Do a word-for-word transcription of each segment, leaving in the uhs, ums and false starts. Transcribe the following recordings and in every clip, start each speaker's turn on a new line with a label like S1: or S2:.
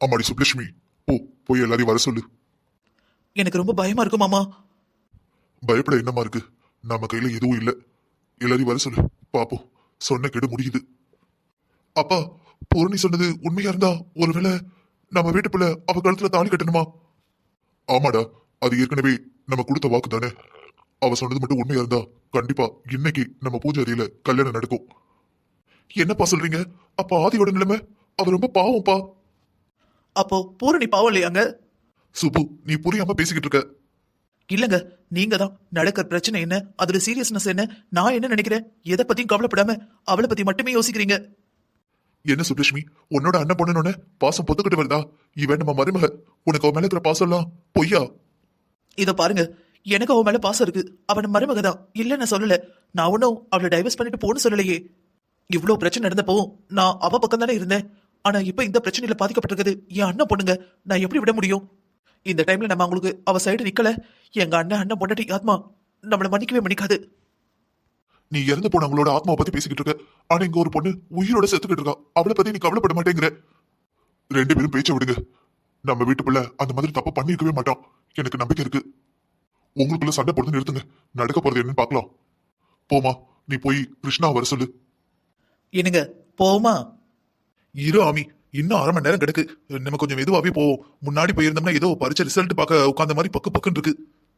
S1: அம்மாடி சுப்லட்சுமி, போ போய் எல்லாரையும் வர சொல்லு.
S2: எனக்கு ரொம்ப பயமா இருக்கு மாமா.
S1: பயப்பட என்னமா இருக்கு? நம்ம கையில எதுவும் இல்ல. எல்லாரையும் வர சொல்லு, பாப்போம். சொன்ன கெடு முடியுது. அப்பா, பூரணி சொன்னது உண்மையா இருந்தா ஒருவேளை நம்ம வீட்டுக்குள்ள அவ கழுத்துல தாலி கட்டணுமா? ஆமாடா, அது ஏற்கனவே நம்ம கொடுத்த வாக்கு தானே. அவ சொன்னது மட்டும் உண்மையா இருந்தா கண்டிப்பா இன்னைக்கு நம்ம பூஜை அறையில கல்யாணம் நடக்கும். என்னப்பா சொல்றீங்க? அப்ப ஆதியோட நிலைமை, அவ ரொம்ப பாவம்ப்பா.
S2: அப்போ பூரணி பாவம் இல்லையாங்க?
S1: சுப்பு, நீ புரியாம பேசிக்கிட்டு இருக்க.
S2: இல்லங்க, நீங்க தான் நடக்கிற பிரச்சனை என்ன, அதோட சீரியஸ்னஸ் என்ன, நான் என்ன நினைக்கிறேன், எதை பத்தியும் கவலைப்படாம அவளை பத்தி மட்டுமே யோசிக்கிறீங்க.
S1: என்ன சுப்லட்சுமி, உன்னோட அண்ணன் பொண்ணுன்னு பாசம் பொத்துக்கிட்டு வருதா? இவன் நம்ம மருமக, உனக்கு அவன் மேல இருக்கிற பாசம் எல்லாம் பொய்யா?
S2: இத பாருங்க, எனக்கு அவன் மேல பாசம் இருக்கு. அவன் மருமகதான், இல்ல நான் சொல்லல. நான் ஒன்னும் அவளை டைவர்ஸ் பண்ணிட்டு போன்னு சொல்லலையே. இவ்வளவு பிரச்சனை நடந்தப்போ நான் அவ பக்கம் தானே இருந்தேன். ஆனா இப்ப இந்த பிரச்சனையில பாதிக்கப்பட்டிருக்கிறது என் அண்ணன் பொண்ணுங்க. நான் எப்படி விட முடியும்? இந்த டைம்ல நம்ம அவங்களுக்கு அவ சைடு நிக்கல, எங்க அண்ணன் அண்ணன் பொண்டாட்டி ஆத்மா நம்மள மன்னிக்கவே மன்னிக்காது.
S1: நீ இறந்து போனவங்களோட ஆத்மாவை பத்தி பேசிக்கிட்டு இருக்க. ஆனா இங்க ஒரு பொண்ணு உயிரோட செத்துக்கிட்டு இருக்கா. அவளை பத்தி நீ கவலைப்பட மாட்டேங்கிற. ரெண்டு பேரும் பேச்ச விடுங்க. நம்ம வீட்டுக்குள்ள அந்த மாதிரி தப்பு பண்ணிருக்கவே மாட்டான். எனக்கு நம்பிக்கை இருக்கு. உங்களுக்குள்ள சண்டை போடுறது நிறுத்துங்க. நடக்க போறது என்னன்னு பாக்கலாம். போமா, நீ போய் கிருஷ்ணா வர சொல்லு.
S2: என்னங்க, போமா?
S1: இரு ஆமி, இன்னும் அரை மணி நேரம் கிடக்கு. நம்ம கொஞ்சம் மெதுவாவே போவோம். முன்னாடி போயிருந்தோம்னா ஏதோ பரிச்சை ரிசல்ட் பார்க்க உட்கார்ந்த மாதிரி பக்கு பக்குன்னு இருக்கு.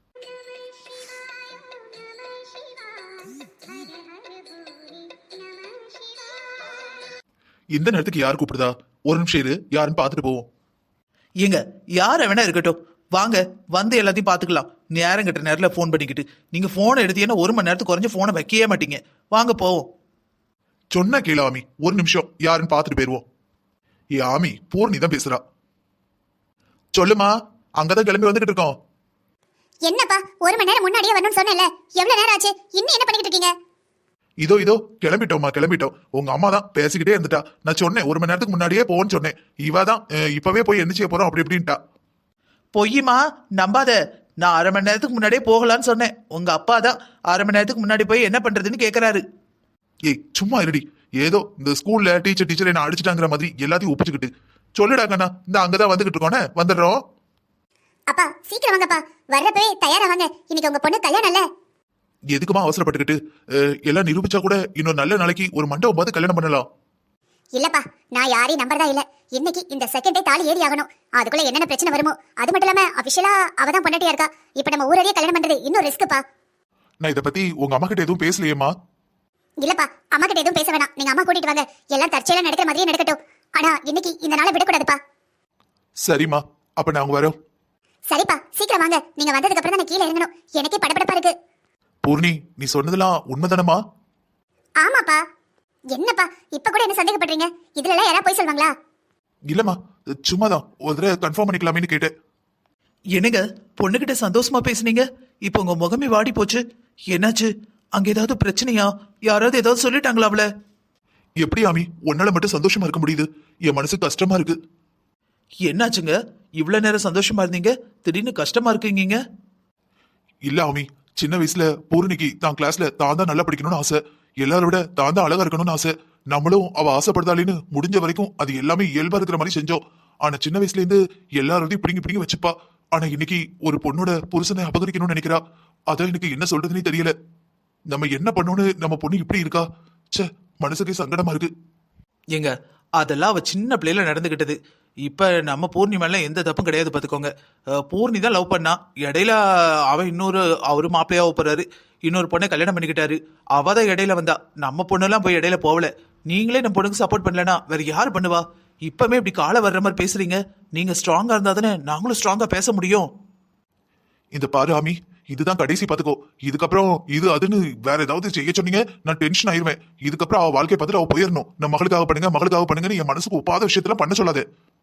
S1: இந்த நேரத்துக்கு யார் கூப்பிடுதா? ஒரு நிமிஷம் இரு, யாருன்னு பாத்துட்டு போவோம்.
S2: ஏங்க, யார வேணா இருக்கட்டும், வாங்க வந்து எல்லாத்தையும் பாத்துக்கலாம். நேரம் கிட்ட நேரத்துல போன் பண்ணிக்கிட்டு நீங்க போனை எடுத்தீங்கன்னா ஒரு மணி நேரத்துக்கு குறைஞ்ச போனை வைக்கவே மாட்டீங்க. வாங்க போவோம்.
S1: சொன்ன கேளு ஆமி, ஒரு நிமிஷம் யாருன்னு பாத்துட்டு போயிருவோம். ஏ ஆமி, பூர்ணி தான் பேசுறா. சொல்லுமா, அங்கதான் கிளம்பி வந்துகிட்டு இருக்கோம்.
S3: என்னப்பா, ஒரு மணி நேரம் முன்னாடியே வரணும்னு சொன்னேன்ல, எவ்வளவு நேரம் ஆச்சு? இன்னும் என்ன பண்ணிக்கிட்டு இருக்கீங்க?
S1: இதோ இதோ கிளம்பிட்டோம்மா, கிளம்பிட்டோம். உங்க அம்மா தான் பேசிக்கிட்டே இருந்துட்டா. நான் சொன்னேன் ஒரு மணி நேரத்துக்கு முன்னாடியே போன்னு சொன்னேன். இவ தான் இப்பவே போய் என்ன செய்ய போறோம் அப்படி இப்படின்ட்டா.
S2: பொய்யுமா, நம்பாத. நான் அரை மணி நேரத்துக்கு முன்னாடியே போகலான்னு சொன்னேன். உங்க அப்பா தான் அரை மணி நேரத்துக்கு முன்னாடி போய் என்ன பண்றதுன்னு கேக்குறாரு.
S1: ஏய் சும்மா இருடி. ஏதோ இந்த ஸ்கூல்ல டீச்சர் டீச்சர் என்ன அடிச்சுட்டாங்கிற மாதிரி எல்லாத்தையும் ஒப்பிச்சுக்கிட்டு சொல்லுடா கண்ணா. இந்த அங்கதான் வந்துகிட்டு இருக்கோனே, வந்துடுறோம்.
S3: அப்பா சீக்கிரம் வாங்கப்பா, வர்றப்பவே தயாரா வாங்க. இன்னைக்கு உங்க பொண்ணு கல்யாணம் இல்ல.
S1: எதுக்குமா அவசரப்பட்டுக்கிட்டு? எல்லாம் நிரூபிச்சா கூட இன்னொரு நல்ல நாளைக்கு ஒரு மண்டபம் பார்த்து கல்யாணம் பண்ணலாம்.
S3: இல்லப்பா, நான் யாரையும் நம்பறதா இல்ல. இன்னைக்கு இந்த செகண்டே தாலி ஏறி ஆகணும். அதுக்குள்ள என்னென்ன பிரச்சனை வருமோ. அது மட்டும் இல்லாம அபிஷியலா அவதான் பொண்டாட்டியா இருக்கா. இப்ப நம்ம ஊரடியே கல்யாணம் பண்றது இன்னும் ரிஸ்க்குப்பா.
S1: நான் இதை பத்தி உங்க அம்மா கிட்ட எதுவும் பேசலையேம்மா.
S3: இல்லப்பா, அம்மா கிட்ட எதுவும் பேச வேணாம். நீங்க அம்மா கூட்டிட்டு வாங்க. எல்லாம் தற்செயலா நடக்கிற மாதிரியே நடக்கட்டும். ஆனா இன்னைக்கு இந்த நாளை விடக்கூடாதுப்பா.
S1: சரிம்மா, அப்ப நாங்க வரோம்.
S3: சரிப்பா, சீக்கிரம் வாங்க. நீங்க வந்ததுக்கு அப்புறம் தான் நான் கீழே இறங்கணும். எனக்கே படபடப்பா இருக்கு.
S1: பூர்ணி, நீ சொன்னதெல்லாம் உண்மைதானமா?
S3: ஆமாப்பா. என்னப்பா இப்ப கூட என்ன சந்தேகப்படுறீங்க? இதுல எல்லாம் யாரா போய் சொல்வாங்களா?
S1: இல்லம்மா, சும்மாதான் ஒரு தடவை கன்ஃபார்ம் பண்ணிக்கலாமேன்னு கேட்டேன்.
S2: என்னங்க, பொண்ணுகிட்ட சந்தோஷமா பேசுனீங்க, இப்ப உங்க முகமே வாடி போச்சு. என்னாச்சு? அங்க ஏதாவது பிரச்சனையா? யாராவது ஏதாவது சொல்லிட்டாங்களா அவள?
S1: எப்படி ஆமி உன்னால மட்டும் சந்தோஷமா இருக்க முடியுது? என் மனசு கஷ்டமா இருக்கு.
S2: என்னாச்சுங்க, இவ்வளவு நேரம் சந்தோஷமா இருந்தீங்க, திடீர்னு கஷ்டமா இருக்கீங்க?
S1: இல்ல ஆமி, சின்ன வயசுல பூர்ணிக்கு தான் கிளாஸ்ல தான் தான் நல்லா படிக்கணும்னு ஆசை. எல்லாரோட விட தான் தான் அழகா இருக்கணும்னு ஆசை. நம்மளும் அவ ஆசைப்படுதாலேன்னு முடிஞ்ச வரைக்கும் அது எல்லாமே இயல்பா இருக்கிற மாதிரி செஞ்சோம். ஆனா சின்ன வயசுல இருந்து எல்லாரோடையும் பிடிங்கி பிடிங்கி வச்சுப்பா. ஆனா இன்னைக்கு ஒரு பொண்ணோட புருஷனை அபகரிக்கணும்னு நினைக்கிறா. அதான் எனக்கு என்ன சொல்றதுன்னே தெரியல. நம்ம என்ன பண்ணோன்னு நம்ம பொண்ணு இப்படி இருக்கா? ச்சே, மனசுக்கே சங்கடமா இருக்கு.
S2: ஏங்க, அதெல்லாம் அவ சின்ன பிள்ளையில நடந்துகிட்டது. இப்ப நம்ம பூர்ணி மேல எந்த தப்பும் கிடையாது பாத்துக்கோங்க. பூர்ணி தான் லவ் பண்ணா. இடையில அவன் இன்னொரு அவரு மாப்பிள்ளையா போறாரு, இன்னொரு பொண்ணை கல்யாணம் பண்ணிக்கிட்டாரு. அவ தான் இடையில வந்தா. நம்ம பொண்ணெல்லாம் போய் இடையில போகல. நீங்களே நம்ம பொண்ணுக்கு சப்போர்ட் பண்ணலனா வேற யாரு பண்ணுவா? இப்பமே இப்படி காலை வர்ற மாதிரி பேசுறீங்க. நீங்க ஸ்ட்ராங்கா இருந்தா தானே நாங்களும் ஸ்ட்ராங்கா பேச முடியும்.
S1: இந்த பாரு ஆமி, இதுதான் கடைசி பாத்துக்கோ. இதுக்கப்புறம் இது அதுன்னு வேற ஏதாவது செய்ய சொன்னீங்க நான் டென்ஷன் ஆயிருவேன். இதுக்கப்புறம் அவ வாழ்க்கை பார்த்துட்டு அவ போயிடணும். நம்ம மகளுக்காக பண்ணுங்க மகளுக்காக பண்ணுங்கன்னு என் மனசுக்கு ஒப்பாத விஷயத்துல பண்ண சொல்லாது.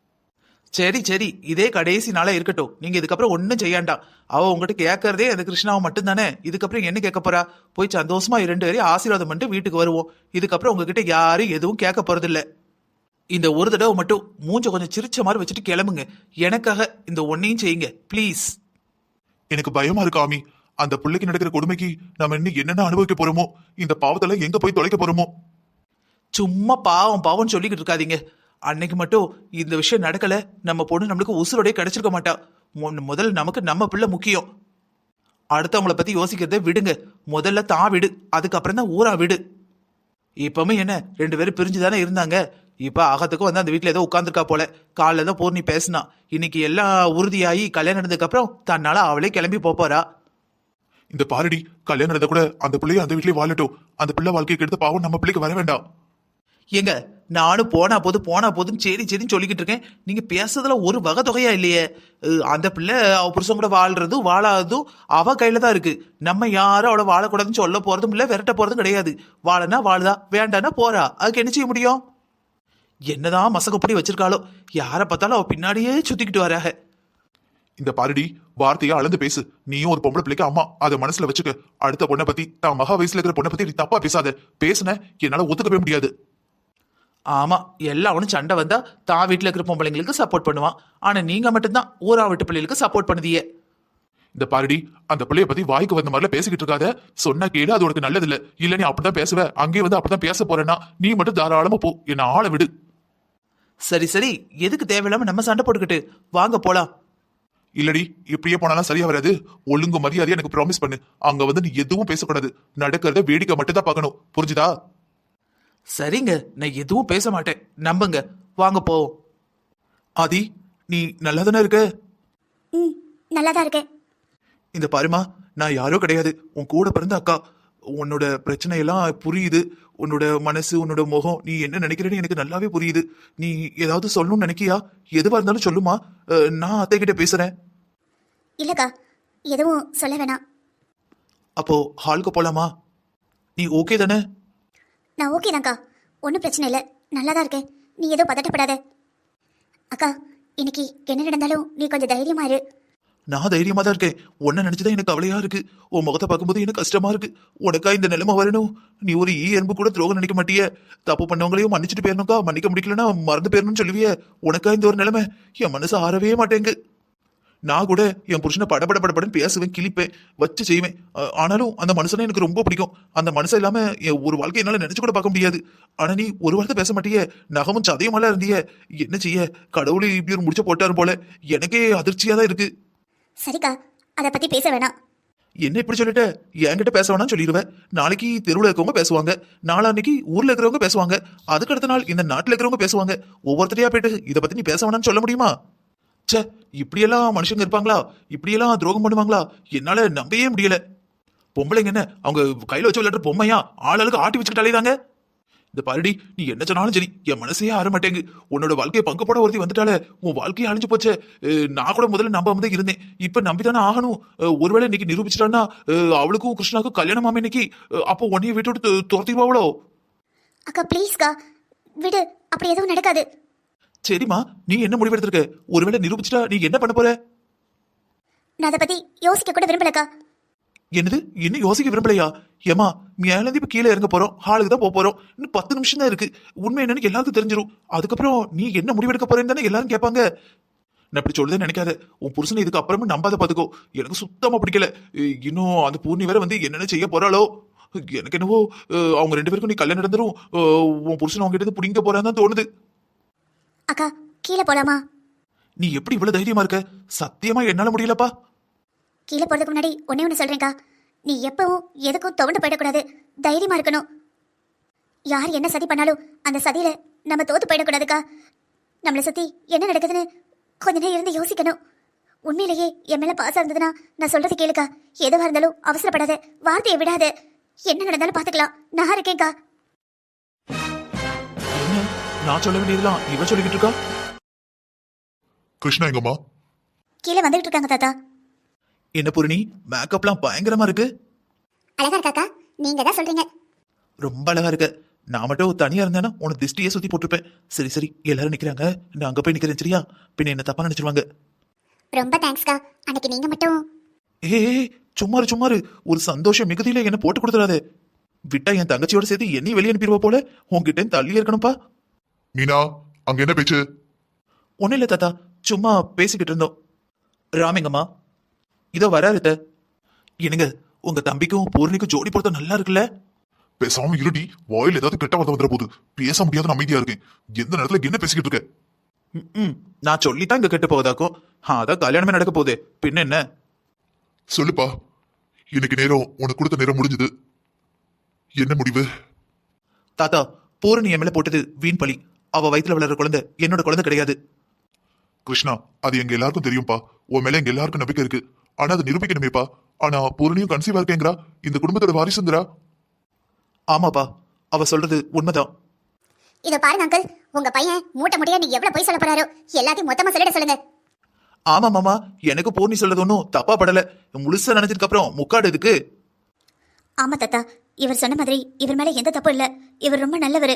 S2: சரி சரி, இதே கடைசி நாளா இருக்கட்டும். நீங்க இதுக்கப்புறம் ஒன்னும் செய்யாண்டாம். அவ உங்ககிட்ட கேட்கறதே அந்த கிருஷ்ணாவை மட்டும் தானே. இதுக்கப்புறம் என்ன கேட்க போறா? போய் சந்தோஷமா இரண்டு பேரையும் ஆசீர்வாதம் பண்ணிட்டு வீட்டுக்கு வருவோம். இதுக்கப்புறம் உங்ககிட்ட யாரும் எதுவும் கேட்க போறது இல்ல. இந்த ஒரு தடவை மட்டும் மூஞ்ச கொஞ்சம் சிரிச்ச மாதிரி வச்சுட்டு கிளம்புங்க. எனக்காக இந்த ஒன்னையும் செய்யுங்க ப்ளீஸ்.
S1: எனக்கு பயமா இருக்கு ஆமி. அந்த பிள்ளைக்கு நடக்கிற கொடுமைக்கு நம்ம இன்னும் என்னென்ன அனுபவிக்க போறோமோ, இந்த பாவத்தெல்லாம் எங்க போய் தொலைக்க போறோமோ.
S2: சும்மா பாவம் பாவம் சொல்லிக்கிட்டு இருக்காதீங்க. அன்னைக்கு மட்டும் இந்த விஷயம் நடக்கல நம்ம பொண்ணு நம்மளுக்கு உசுரோடய கிடைச்சிருக்க மாட்டா. மு- முதல்ல நமக்கு நம்ம பிள்ளை முக்கியம். அடுத்தவங்கள பத்தி யோசிக்கிறத விடுங்க. முதல்ல தான் விடு, அதுக்கப்புறம் தான் ஊரா விடு. இப்பவுமே என்ன ரெண்டு பேரும் பிரிஞ்சு தானே இருந்தாங்க. இப்ப அகத்துக்கும் வந்து அந்த வீட்டுல ஏதோ உட்காந்துருக்கா போல. காலைல தான் பூர்ணி பேசினா. இன்னைக்கு எல்லாம் உறுதியாகி கல்யாணம் நடந்ததுக்கு அப்புறம் தன்னால அவளே கிளம்பி போப் போறா.
S1: இந்த பாருடி, கல்யாணம் நடந்த கூட அந்த பிள்ளைய அந்த வீட்லயே வாழட்டும். அந்த பிள்ளை வாழ்க்கையை கெடுத்த பாவம் நம்ம பிள்ளைக்கு வர வேண்டாம்.
S2: ஏங்க நானும் போனா போது போனா போதுன்னு சரி சரின்னு சொல்லிக்கிட்டு இருக்கேன். நீங்க பேசுறதுல ஒரு வகை தொகையா இல்லையே. அஹ் அந்த பிள்ளை அவ புருஷன் கூட வாழ்றதும் வாழாததும் அவ கையில தான் இருக்கு. நம்ம யாரும் அவளை வாழக்கூடாதுன்னு சொல்ல போறதும் இல்ல, விரட்ட போறதும் கிடையாது. வாழனா வாழுதா, வேண்டானா போறா. அதுக்கு என்ன செய்ய முடியும்? என்னதான் மசகப்படி வச்சிருக்காளோ, யாரை பார்த்தாலும் அவ பின்னாடியே சுத்திக்கிட்டு வராக.
S1: இந்த பாருடி, வார்த்தையா அளந்து பேசு. நீயும் ஒரு பொம்பளை பிள்ளைக்கு அம்மா, அதை மனசுல வச்சுக்க. அடுத்த பொண்ணை பத்தி, தான் மகா வயசுல இருக்கிற பொண்ணை பத்தி நீ தப்பா பேசாத. பேசுன என்னால ஒத்துக்கவே முடியாது.
S2: ஆமா, எல்லாம் அவனும் சண்டை வந்தா தான் வீட்டுல இருக்கிற பொம்பளைங்களுக்கு சப்போர்ட் பண்ணுவான். ஆனா நீங்க மட்டும்தான் ஊரா வீட்டு பிள்ளைகளுக்கு சப்போர்ட் பண்ணுதியே.
S1: இந்த பாருடி, அந்த பிள்ளைய பத்தி வாய்க்கு வந்த மாதிரில பேசிக்கிட்டு இருக்காத. சொன்னா கேளு, அது உனக்கு நல்லது இல்ல. இல்ல நீ அப்படிதான் பேசுவ, அங்கேயே வந்து அப்படிதான் பேச போறேன்னா நீ மட்டும் தாராளமா போ, என்ன ஆள விடு.
S2: சரி சரி, எதுக்கு தேவையில்லாம நம்ம சண்டை போட்டுக்கிட்டு? வாங்க போலாம்.
S1: இல்லடி, இப்படியே போனாலும் சரியா வராது. ஒழுங்கு மரியாதையா எனக்கு ப்ராமிஸ் பண்ணு. அங்க வந்து நீ எதுவும் பேசக்கூடாது. நடக்கிறத வேடிக்கை மட்டும் தான் பார்க்கணும். புரிஞ்சுதா?
S2: சரிங்க, நான் எதுவும் பேச மாட்டேன், நம்புங்க. வாங்க போவோம். ஆதி, நீ நல்லா தானே இருக்க?
S3: ம் நல்லா தான் இருக்கேன்.
S2: இந்த பாருமா, நான் யாரோ கிடையாது, உன் கூட பிறந்த அக்கா. உன்னோட பிரச்சனை எல்லாம் புரியுது. உன்னோட மனசு, உன்னோட முகம், நீ என்ன நினைக்கிறேன்னு எனக்கு நல்லாவே புரியுது. நீ ஏதாவது சொல்லணும்னு நினைக்கியா? எதுவா இருந்தாலும் சொல்லுமா. அஹ், நான் அத்தை கிட்ட பேசுறேன்.
S3: இல்லக்கா, எதுவும் சொல்ல வேணாம்.
S2: அப்போ ஹாலுக்கு போலாமா? நீ ஓகே தானே?
S3: நான் ஓகே தான்க்கா, ஒன்றும் பிரச்சனை இல்லை, நல்லா தான் இருக்கேன். நீ எதுவும் பதட்டப்படாத. அக்கா, இன்னைக்கு என்ன நடந்தாலும் நீ கொஞ்சம் தைரியமா இரு.
S2: நான் தைரியமா தான் இருக்கேன். உன்னை நினைச்சுதான் எனக்கு கவலையா இருக்கு. உன் முகத்தை பார்க்கும்போது எனக்கு கஷ்டமா இருக்கு. உனக்கா இந்த நிலைமை வரணும்? நீ ஒரு ஈ எறும்பு கூட துரோகம் நினைக்க மாட்டிய. தப்பு பண்ணவங்களையும் மன்னிச்சுட்டு போயிடணும்க்கா. மன்னிக்க முடிக்கலன்னா மறந்து போயிடணும்னு சொல்லுவிய. உனக்கா இந்த ஒரு நிலைமை? என் மனசு ஆறவே மாட்டேங்கு. நான் கூட என் புருஷனை படபட படபடன்னு பேசுவேன், கிழிப்பேன், வச்சு செய்வேன். அஹ், ஆனாலும் அந்த மனுஷனை எனக்கு ரொம்ப பிடிக்கும். அந்த மனுஷன் இல்லாம என் ஒரு வாழ்க்கை என்னால நினைச்சு கூட பார்க்க முடியாது. ஆனா நீ ஒரு வார்த்தை பேச மாட்டிய. நகமும் சதையுமாலாம் இருந்திய. என்ன செய்ய, கடவுளை இப்படி ஒரு முடிச்ச போட்டாரு போல. எனக்கே அதிர்ச்சியா தான் இருக்கு.
S3: சரிக்கா, அதை பத்தி பேச வேணாம்.
S2: என்ன இப்படி சொல்லிட்ட? என்கிட்ட பேச வேணாம்னு சொல்லிடுவேன். நாளைக்கு தெருவில் இருக்கவங்க பேசுவாங்க, நாளான்னைக்கு ஊர்ல இருக்கிறவங்க பேசுவாங்க, அதுக்கு அடுத்த நாள் இந்த நாட்டுல இருக்கிறவங்க பேசுவாங்க. ஒவ்வொருத்தரையா போயிட்டு இதை பத்தி நீ பேச வேணாம்னு சொல்ல முடியுமா? ச்சே, இப்படியெல்லாம் மனுஷங்க இருப்பாங்களா? இப்படியெல்லாம் துரோகம் பண்ணுவாங்களா? என்னால நம்பவே முடியல. பொம்பளைங்க என்ன அவங்க கையில வச்சு விளையாடுற பொம்மையா? ஆளுக்கு ஆட்டி வச்சுக்கிட்டாலே தாங்க. இந்த பாருடி, நீ என்ன சொன்னாலும் சரி, என் மனசே ஆற மாட்டேங்கு. உன்னோட வாழ்க்கையை பங்கு போட ஒருத்தி வந்துட்டாலே, உன் வாழ்க்கையை அழிஞ்சு போச்சே. அஹ், நான் கூட முதல்ல நம்பாம தான் இருந்தேன். இப்ப நம்பிதானே ஆகணும். அஹ், ஒருவேளை இன்னைக்கு நிரூபிச்சிட்டான்னா அஹ், அவளுக்கும் கிருஷ்ணாவுக்கும் கல்யாணம் ஆமா இன்னைக்கு. அஹ், அப்போ உன்னைய வீட்டு விட்டு துரத்திடுவாவளோ?
S3: அக்கா ப்ளீஸ்க்கா, விடு, அப்படி எதுவும் நடக்காது.
S2: சரிம்மா, நீ என்ன முடிவெடுத்திருக்க? ஒருவேளை நிரூபிச்சிட்டா நீ என்ன பண்ண போற?
S3: நான் அதை பத்தி யோசிக்க கூட விரும்பலக்கா.
S2: என்னது, இன்னும் யோசிக்க விரும்பலையா? ஏமா, மேலேருந்து இப்ப கீழே இறங்க போறோம், ஹாலுக்கு தான் போக போறோம். இன்னும் பத்து நிமிஷம் தான் இருக்கு. உண்மை என்னன்னு எல்லாருக்கும் தெரிஞ்சிடும். அதுக்கப்புறம் நீ என்ன முடிவெடுக்க போறேன்னு தானே எல்லாரும் கேட்பாங்க. நான் இப்படி சொல்லுதே நினைக்காத. உன் புருஷனை இதுக்கு அப்புறமும் நம்பாத பாத்துக்கோ. எனக்கு சுத்தமா பிடிக்கல. அஹ், இன்னும் அந்த பூர்ணி வேற வந்து என்னென்ன செய்ய போறாளோ. எனக்கு என்னவோ அஹ், அவங்க ரெண்டு பேருக்கும் நீ கல்யாணம் நடந்துரும், அஹ், உன் புருஷன் அவங்க கிட்ட பிடிங்க போறான்னு தான் தோணுது.
S3: அக்கா, கீழே போலாமா?
S2: நீ எப்படி இவ்வளவு தைரியமா இருக்க? சத்தியமா என்னால முடியலப்பா.
S3: கீழே போறதுக்கு முன்னாடி ஒன்னே ஒன்று சொல்றேன்க்கா. நீ எப்பவும் எதுக்கும் துவண்டு போயிடக்கூடாது, தைரியமா இருக்கணும். யார் என்ன சதி பண்ணாலும் அந்த சதியில நம்ம தோத்து போயிடக்கூடாதுக்கா. நம்மளை சுத்தி என்ன நடக்குதுன்னு கொஞ்ச நேரம் இருந்து யோசிக்கணும். உண்மையிலேயே என் மேல பாசம் இருந்ததுன்னா நான் சொல்றது கேளுக்கா. எதுவா இருந்தாலும் அவசரப்படாத, வார்த்தையை விடாத. என்ன நடந்தாலும் பாத்துக்கலாம், நான் இருக்கேன்க்கா.
S2: என்ன, நான் சொல்ல வேண்டியதெல்லாம் இவன் சொல்லிக்கிட்டு இருக்கா?
S1: கிருஷ்ணா எங்கம்மா?
S3: கீழே வந்துகிட்டு இருக்காங்க தாத்தா.
S2: என்ன பூரணி, மேக்கப்லாம் பயங்கரமா இருக்கு.
S3: அழகா இருக்காக்கா, நீங்க தான் சொல்றீங்க.
S2: ரொம்ப அழகா இருக்க. நான் மட்டும் தனியா இருந்தேன்னா உனக்கு திஷ்டியே சுத்தி போட்டிருப்பேன். சரி சரி, எல்லாரும் நிக்கிறாங்க, நான் அங்க போய் நிக்கிறேன், சரியா? பின்ன என்ன தப்பா நினைச்சிருவாங்க.
S3: ரொம்ப தேங்க்ஸ்க்கா. அன்னைக்கு நீங்க மட்டும்.
S2: ஏ சும்மாரு சும்மாரு, ஒரு சந்தோஷம் மிகுதியில என்ன போட்டு கொடுத்துறாதே. விட்டா என் தங்கச்சியோட சேர்த்து என்னையும் வெளியே அனுப்பிடுவா போல. உன்கிட்ட தள்ளி இருக்கணும்ப்பா.
S1: மீனா, அங்க என்ன பேச்சு?
S2: ஒன்னும் இல்ல தாத்தா, சும்மா பேசிக்கிட்டு இருந்தோம். ராமிங்கம்மா இதோ வராரு. என்னங்க, உங்க தம்பிக்கும் பூர்ணிக்கும் ஜோடி பொருத்தம் நல்லா இருக்குல்ல?
S1: பேசாம இருடி, வாயில் ஏதாவது கெட்ட வார்த்தை வந்துட போகுது. பேச முடியாத அமைதியா இருக்கேன். எந்த நேரத்துல என்ன பேசிக்கிட்டு இருக்க?
S2: ம், ம் நான் சொல்லித்தான் இங்க கெட்டு போவதாக்கும். அதான் கல்யாணமே நடக்க போகுது, பின்ன என்ன?
S1: சொல்லுப்பா, இன்னைக்கு நேரம் உனக்கு கொடுத்த நேரம் முடிஞ்சது. என்ன முடிவு?
S2: தாத்தா, பூரணி என் மேல போட்டது வீண் பழி. அவ வயித்துல வளர்ற குழந்தை என்னோட குழந்தை கிடையாது.
S1: கிருஷ்ணா, அது எங்க எல்லாருக்கும் தெரியும்பா. உன் மேல எங்க எல்லாருக்கும் நம்பிக்கை இருக்கு. ஆனா அதை நிரூபிக்கணுமேப்பா. ஆனா பூரணியும் கன்சீவா இருக்கேங்கிறா. இந்த குடும்பத்தோட வாரிசுங்கிறா.
S2: ஆமாப்பா, அவ சொல்றது உண்மைதான்.
S3: இத பாருங்க அங்கிள், உங்க பையன் மூட்டை முடியா நீ எவ்வளவு போய் சொல்ல போறாரோ எல்லாத்தையும் மொத்தமா சொல்லிட சொல்லுங்க.
S2: ஆமா மாமா, எனக்கு பூர்ணி சொல்றது ஒன்றும் தப்பா படல. முழுசா நினைச்சதுக்கு அப்புறம் முக்காடு இதுக்கு.
S3: ஆமா தாத்தா, இவர் சொன்ன மாதிரி இவர் மேல எந்த தப்பும் இல்ல. இவர் ரொம்ப நல்லவரு.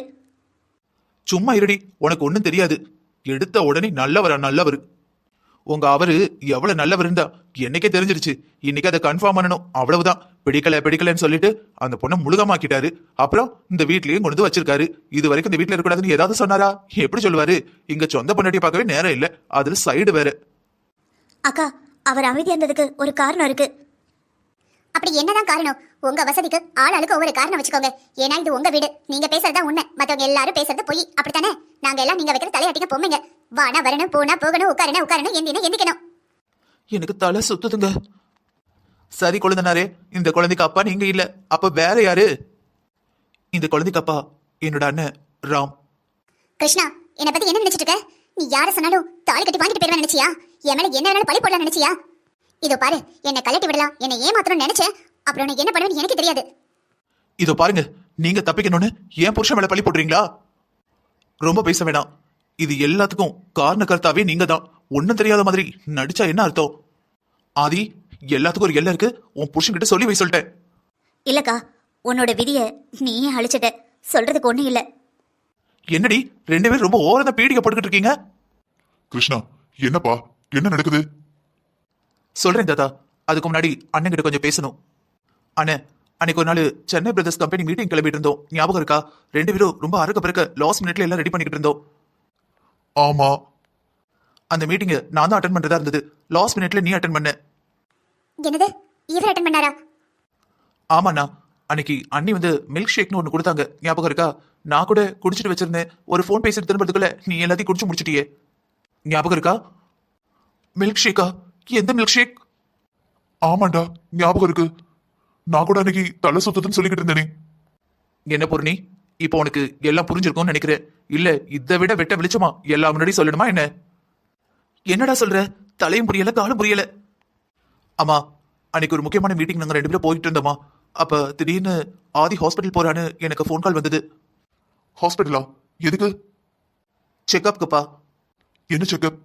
S2: சும்மா இருடி, உனக்கு ஒண்ணும் தெரியாது. எடுத்த உடனே நல்லவரா நல்லவர். உங்க அவரு எவ்வளவு நல்லவர் இருந்தா என்னைக்கே தெரிஞ்சிருச்சு. இன்னைக்கு அதை கன்ஃபார்ம் பண்ணணும், அவ்வளவுதான். பிடிக்கல பிடிக்கலன்னு சொல்லிட்டு அந்த பொண்ணை முழுகமாக்கிட்டாரு. அப்புறம் இந்த வீட்லயும் கொண்டு வந்து வச்சிருக்காரு. இது வரைக்கும் இந்த வீட்டுல இருக்கக்கூடாதுன்னு ஏதாவது சொன்னாரா? எப்படி சொல்லுவாரு? இங்க சொந்த பொண்டாட்டி பார்க்கவே நேரம் இல்ல, அதுல சைடு வேற.
S3: அக்கா, அவர் அமைதியா இருந்ததுக்கு ஒரு காரணம் இருக்கு. அப்படி என்னதான் காரணம்? உங்க வசதிக்கு ஆளாளுக்கு ஒவ்வொரு காரணம் வச்சுக்கோங்க. ஏன்னா இது உங்க வீடு, நீங்க பேசுறதா உண்மை, மத்தவங்க எல்லாரும் பேசுறது பொய். அப்படித்தானே? நாங்க எல்லாம் நீங்க வைக்கிற தலையாட்டிக்க பொம்மைங்க. வானா வரணும், போனா போகணும், உட்காரணும் உட்காரணும், எந்தினா எந்திக்கணும்.
S2: எனக்கு தலை சுத்துதுங்க. சரி கொழுந்தனாரே, இந்த குழந்தைக்கு அப்பா நீங்க இல்ல, அப்ப வேற யாரு? இந்த குழந்தைக்கு அப்பா என்னோட அண்ணன் ராம்.
S3: கிருஷ்ணா, என்னை பத்தி என்ன நினைச்சிட்டு இருக்க? நீ யார சொன்னாலும் தாலி கட்டி வாங்கிட்டு போயிடுவேன் நினைச்சியா? என் மேல என்ன வேணாலும் பழி போடலாம் நினைச்சியா? இதோ பாரு, என்னை கலட்டி விடலாம், என்னை ஏமாத்தணும்னு நினைச்சேன். அப்புறம் நான் என்ன பண்ணுவேன்னு எனக்கு தெரியாது.
S2: இதோ பாருங்க, நீங்க தப்பிக்கணும்னு என் புருஷன் மேல பழி போடுறீங்களா? ரொம்ப பேச வேணாம். இது எல்லாத்துக்கும் காரண கர்த்தாவே நீங்க தான். ஒன்னும் தெரியாத மாதிரி நடிச்சா என்ன அர்த்தம்? ஆதி, எல்லாத்துக்கும் ஒரு எல்லை இருக்கு. உன் புருஷன் கிட்ட சொல்லி வை சொல்லிட்டேன்.
S3: இல்லக்கா, உன்னோட விதிய நீயே அழிச்சிட்ட. சொல்றதுக்கு ஒண்ணும் இல்ல.
S2: என்னடி ரெண்டு பேரும் ரொம்ப ஓரத பீடிக்க போட்டுக்கிட்டு இருக்கீங்க?
S1: கிருஷ்ணா, என்னப்பா, என்ன நடக்குது?
S2: சொல்றேன் தாத்தா, அதுக்கு முன்னாடி அண்ணன் கிட்ட கொஞ்சம் பேசணும். அண்ணன், அன்னைக்கு ஒரு நாள் சென்னை பிரதர்ஸ் கம்பெனி மீட்டிங் கிளம்பிட்டு இருந்தோம், ஞாபகம் இருக்கா? ரெண்டு பேரும் ரொம்ப அறக்க பிறக்க லாஸ்ட் மினிட்ல எல்லாம் ரெடி பண்ணிக்கிட்டு இருந்தோம்.
S1: ஆமா.
S2: அந்த மீட்டிங்கை நான் தான் அட்டன் பண்றதா இருந்தது. லாஸ்ட் மினிட்ல நீ அட்டன் பண்ண.
S3: என்னது, இவர் அட்டன் பண்ணாரா?
S2: ஆமாண்ணா, அன்னைக்கு அண்ணி வந்து மில்க் ஷேக்னு ஒன்று கொடுத்தாங்க, ஞாபகம் இருக்கா? நான் கூட குடிச்சிட்டு வச்சிருந்தேன். ஒரு ஃபோன் பேசிட்டு திரும்பறதுக்குள்ள நீ எல்லாத்தையும் குடிச்சு முடிச்சிட்டியே, ஞாபகம் இருக்கா? மில்க் ஷேக்கா? எந்த மில்க் ஷேக்?
S1: ஆமாண்டா, ஞாபகம் இருக்கு. நான் கூட அன்னைக்கு தலை சுத்ததுன்னு சொல்லிக்கிட்டு இருந்தேனே.
S2: என்ன பூர்ணி, இப்போ உனக்கு எல்லாம் புரிஞ்சிருக்கும்னு நினைக்கிறேன். இல்ல இதை விட வெட்ட வெளிச்சமா எல்லாம் முன்னாடி சொல்லணுமா என்ன? என்னடா சொல்ற? தலையும் புரியல காலும் புரியல. ஆமா, அன்னைக்கு ஒரு முக்கியமான மீட்டிங் நாங்க ரெண்டு பேரும் போயிட்டு இருந்தோமா. அப்ப திடீர்னு ஆதி ஹாஸ்பிட்டல் போறான்னு எனக்கு ஃபோன் கால் வந்தது.
S1: ஹாஸ்பிட்டலா? எதுக்கு?
S2: செக்அப்க்குப்பா.
S1: என்ன செக்அப்?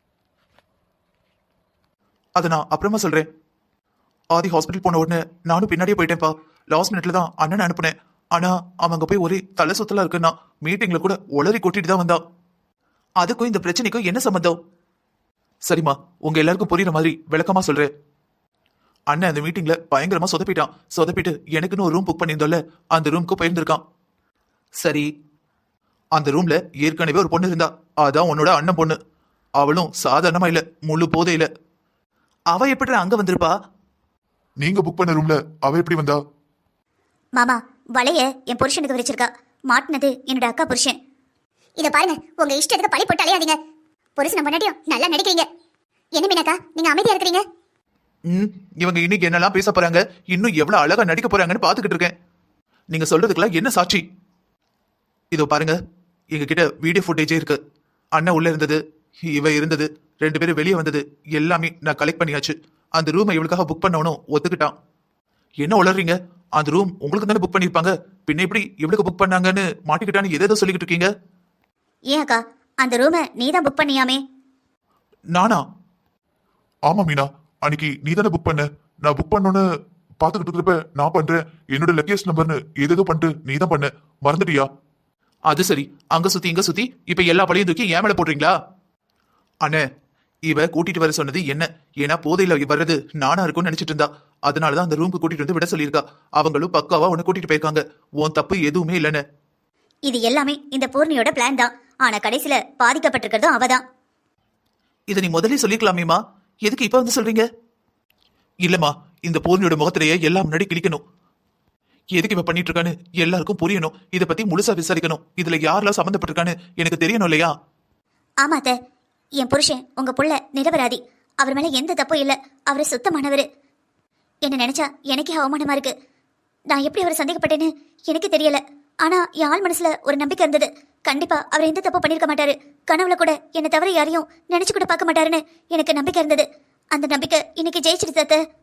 S2: அதை நான் அப்புறமா சொல்றேன். ஆதி ஹாஸ்பிட்டல் போன உடனே நானும் பின்னாடியே போயிட்டேன்ப்பா. லாஸ்ட் மினிட்ல தான் அண்ணனை அனுப்புனேன். ஆனா அவங்க போய் ஒரே தலை சுத்தலா இருக்குன்னா மீட்டிங்ல கூட உளறி கொட்டிட்டு தான் வந்தான். அதுக்கும் இந்த பிரச்சனைக்கும் என்ன சம்பந்தம்? சரிம்மா, உங்க எல்லாருக்கும் புரியுற மாதிரி விளக்கமா சொல்றேன். அண்ணன் அந்த மீட்டிங்ல பயங்கரமா சொதப்பிட்டான். சொதப்பிட்டு எனக்குன்னு ஒரு ரூம் புக் பண்ணியிருந்தோம்ல, அந்த ரூமுக்கு போயிருந்திருக்கான். சரி, அந்த ரூம்ல ஏற்கனவே ஒரு பொண்ணு இருந்தா, அதான் உன்னோட அண்ணன் பொண்ணு. அவளும் சாதாரணமா இல்ல, முழு போதையில. அவ எப்படி அங்க வந்திருப்பா?
S1: நீங்க புக் பண்ண ரூம்ல அவ எப்படி வந்தா?
S3: மாமா, வளைய என் புருஷனுக்கு விரிச்சிருக்கா. மாட்டினது என்னோட அக்கா புருஷன். இத பாருங்க, உங்க இஷ்டத்துக்கு பழி போட்டு அலையாதீங்க. புருஷனை முன்னாடியும் நல்லா நடிக்கிறீங்க. என்ன மீனாக்கா, நீங்க அமைதியா இருக்கிறீங்க?
S2: ம் இவங்க இன்னைக்கு என்னெல்லாம் பேச போறாங்க, இன்னும் எவ்வளவு அழகா நடிக்க போறாங்கன்னு பாத்துக்கிட்டு இருக்கேன். நீங்க சொல்றதுக்கெல்லாம் என்ன சாட்சி? இதோ பாருங்க, எங்க கிட்ட வீடியோ ஃபுட்டேஜே இருக்கு. அண்ணன் உள்ள இருந்தது, இவ இருந்தது, ரெண்டு பேரும் வெளியே வந்தது எல்லாமே நான் கலெக்ட் பண்ணியாச்சு. அந்த ரூமை இவளுக்காக புக் பண்ணவனும் ஒத்துக்கிட்டான். என்ன உளறீங்க? அந்த ரூம் உங்களுக்கு தானே புக் பண்ணிருப்பாங்க, பின்ன எப்படி இவளுக்கு புக் பண்ணாங்கன்னு மாட்டிக்கிட்டான்னு எதோ சொல்லிக்கிட்டு இருக்கீங்க.
S3: ஏன் அக்கா, அந்த ரூமை நீ தான் புக் பண்ணியாமே?
S2: நானா?
S1: ஆமா மீனா, அன்னைக்கு நீ தானே புக் பண்ண. நான் புக் பண்ணோன்னு பாத்துக்கிட்டு இருக்கிறப்ப நான் பண்றேன் என்னோட லக்கேஜ் நம்பர்னு ஏதேதோ பண்ணிட்டு நீ தான் பண்ண, மறந்துட்டியா?
S2: அது சரி, அங்க சுத்தி இங்க சுத்தி இப்ப எல்லா பழையும் தூக்கி ஏன் மேல போடுறீங்களா? அண்ணே, இவ கூட்டிட்டு வர சொன்னது என்ன? ஏன்னா போதையில வர்றது நானா இருக்கும்னு நினைச்சிட்டு இருந்தா, அதனாலதான் அந்த ரூமுக்கு கூட்டிட்டு வந்து விட சொல்லியிருக்கா. அவங்களும் பக்காவா உன்னை கூட்டிட்டு போயிருக்காங்க. உன் தப்பு எதுவுமே இல்லைன்னு.
S3: இது எல்லாமே இந்த பூர்ணியோட பிளான் தான். ஆனா கடைசியில பாதிக்கப்பட்டிருக்கிறதும் அவதான்.
S2: இதை நீ முதல்ல சொல்லிக்கலாமேமா, எதுக்கு இப்ப வந்து சொல்றீங்க? இல்லம்மா, இந்த பூர்ணியோட முகத்திலேயே எல்லாம் முன்னாடி கிளிக்கணும். எதுக்கு இவ பண்ணிட்டு இருக்கான்னு எல்லாருக்கும் புரியணும். இதை பத்தி முழுசா விசாரிக்கணும். இதுல யாரெல்லாம் சம்மந்தப்பட்டிருக்கான்னு எனக்கு தெரியணும் இல்லையா?
S3: ஆமா அத்தை, என் புருஷன் உங்க புள்ள நிரபராதி. அவர் மேல எந்த தப்பும் இல்ல. அவரு சுத்தமானவரு. என்ன நினைச்சா எனக்கே அவமானமா இருக்கு. நான் எப்படி அவரை சந்தேகப்பட்டேன்னு எனக்கு தெரியல. ஆனா என் ஆள் மனசுல ஒரு நம்பிக்கை இருந்தது. கண்டிப்பா அவர் எந்த தப்பு பண்ணிருக்க மாட்டாரு. கனவுல கூட என்னை தவிர யாரையும் நினைச்சு கூட பார்க்க மாட்டாருன்னு எனக்கு நம்பிக்கை இருந்தது. அந்த நம்பிக்கை இன்னைக்கு ஜெயிச்சிருச்சு அத்தை.